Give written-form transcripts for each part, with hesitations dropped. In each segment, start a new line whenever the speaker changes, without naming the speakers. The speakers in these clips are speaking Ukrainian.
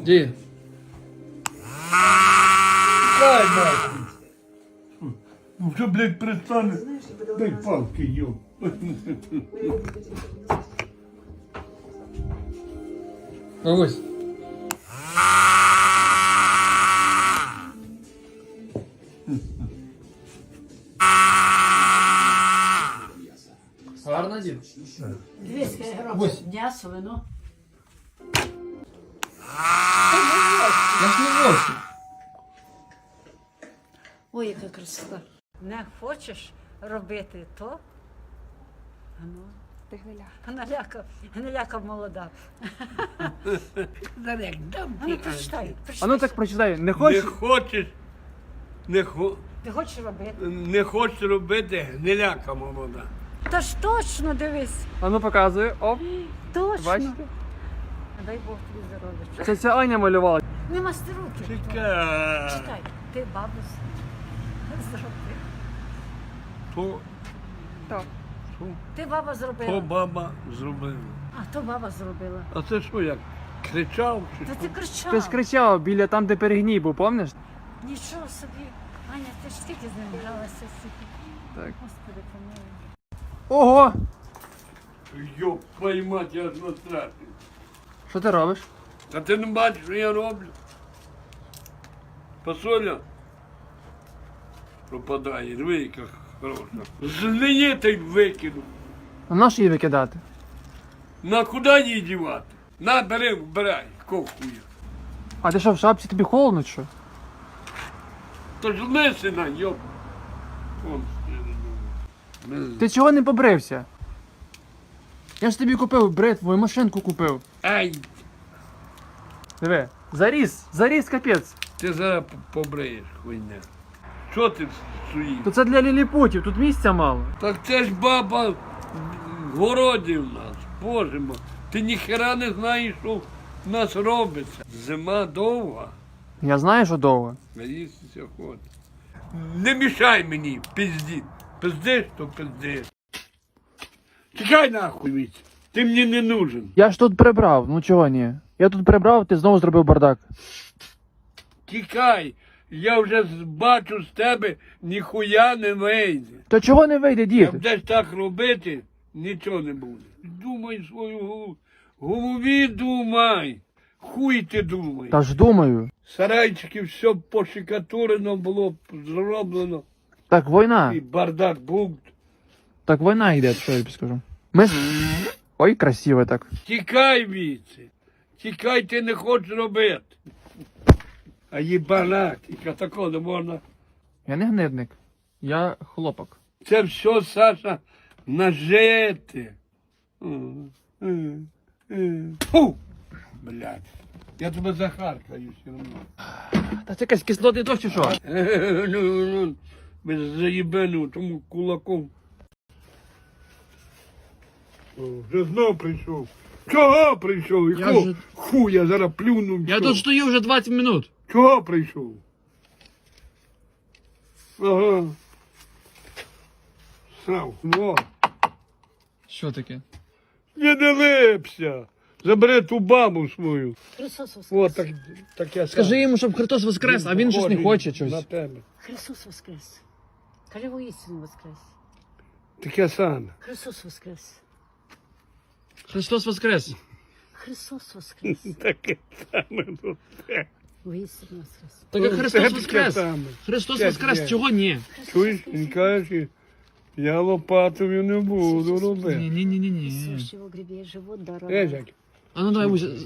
Дід.
Дай нахуй. Ну вже, блядь, перестане. Дай палки, йо.
Бабусь. Гарно, дід?
200 грамів м'ясо, вино.
Я ж не вовчу.
Ой, яка красота. Не хочеш робити то? Ану.
Ти гниля.
Гниляка молода.
Зараз як дам
Ану, прочитай.
А ну так прочитай, не
Не
хочеш?
хочеш,
Ти хочеш робити?
не хочеш робити, гниляка молода.
Та ж точно дивись.
А ну показуй, оп,
Точно.
бачите?
Дай Бог тобі здоров'я.
Це ця Аня малювала.
Не масти руки.
Чекай.
Читай. Ти бабусь. Зроби.
То,
То.
Ти баба
то
зробила.
баба зробила.
А то баба зробила.
А це що, як кричав чи
Та
що?
ти кричав.
Ти ж кричав біля там, де перегній був, пам'ятаєш?
Нічого собі. Аня, ти ж скільки з ним гралася стільки.
Так.
Господи, помилуй.
Ого!
Йоп, твою мать, я ж настрашив.
Що ти робиш?
Та ти не бачиш, що я роблю? Посоля пропадає, диви, яка хороша. Злиє та й викину.
А на що її викидати?
На куди її дівати? На, бери, вбирай, ковхуя.
А ти що, в шапці тобі холодно чи що?
То ж лисина, йоп. Вон,
Ти чого не побрився? Я ж тобі купив бритву і машинку купив.
Ай,
Диви, заріс капець.
ти зараз побриєш, хуйня. Що ти суїш?
То це для ліліпутів, тут місця мало.
Так це ж баба в городі в нас, боже мой. Ти ніхера не знаєш, що в нас робиться. Зима довга,
Я знаю, що довго.
а їстися хоче. Не мішай мені, пизді. Пиздиш, то пиздиш. Тікай нахуй від. Ти мені не нужен.
Я ж тут прибрав, ну чого ні? Я тут прибрав, ти знову зробив бардак.
Тікай. Я вже бачу з тебе, ніхуя не вийде.
То чого не вийде,
Як
дід?
будеш так робити, нічого не буде. Думай свою голову. Голові думай. Хуй ти думай.
Та ж думаю.
Сарайчики все пошикатурено було зроблено.
Так війна.
І бардак був.
Так війна йде, що я тобі скажу. Ми... Ой, красиво так.
Тікай віце. Тікай, ти не хочеш робити. А їбанак, і такого не можна.
Я не гнидник. Я хлопок.
Це все, Саша, нажити. Фу! Блядь. Я тебе захаркаю все одно.
Та це якась кислотний дощ чи що?
Ну, без заїбену тому кулаком. О, вже знов прийшов. Чого прийшов?
Я
Якого
вже-
хуя зараз плюнув?
Я
що?
тут стою вже 20 минут.
Чого прийшов? Ага. Срав. Во.
Що таке?
Не липся. Забери ту бабу свою.
Христос воскрес.
О, так я
Скажи йому, щоб Христос воскрес, а він щось не хоче
На
щось.
тебе.
Христос воскрес. Кажи воістину воскрес.
Таке саме.
Христос воскрес.
Христос воскрес.
Христос воскрес.
Таке саме. Ну, те.
Воістину воскрес.
Так як
Це
Христос
таке
воскрес.
саме.
Христос
Це
воскрес,
є.
чого ні?
Чуєш, він каже, я лопатою не буду робити.
Ні.
Сущий в грібі живот дорога.
Ежак.
А ну давай, Буся.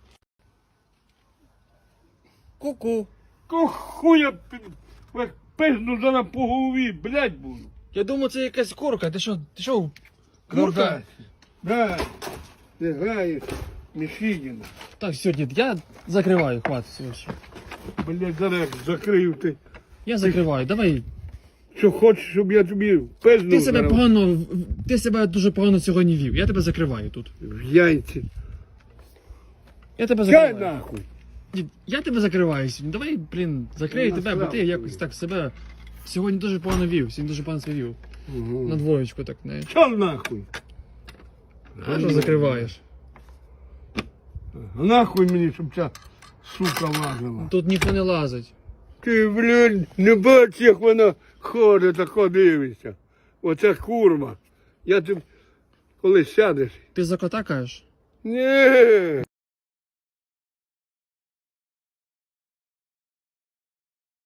Ку-ку. Хуя пизну зараз по голові, блядь, буду.
Я думав, це якась курка. Ти що? Курка?
Курка. Да. Ти граєш. Мішігіна.
Так, все, дід, я закриваю, хватить все.
Блядь, зараз закрию ти.
Я закриваю, давай.
Що хочеш, щоб я тобі пизну
Ти себе
зараз
погано, ти себе дуже погано сьогодні вів. Я тебе закриваю тут.
в яйці.
Я тебе
Чай
закриваю.
нахуй.
Дід, я тебе закриваю сьогодні. Давай, блін, закрию
Я
тебе, бо ти
насрав
якось так себе сьогодні дуже погано вів. Сьогодні дуже погано себе вів. На двоєчку так, не.
Що нахуй?
А що закриваєш?
Нахуй мені, щоб ця сука лазила.
Тут ніхто не лазить.
Ти, блін, не бачиш, як вона ходить, тако дивиться. Оце курва. Я тут, коли сядеш.
Ти за кота кажеш?
Ні.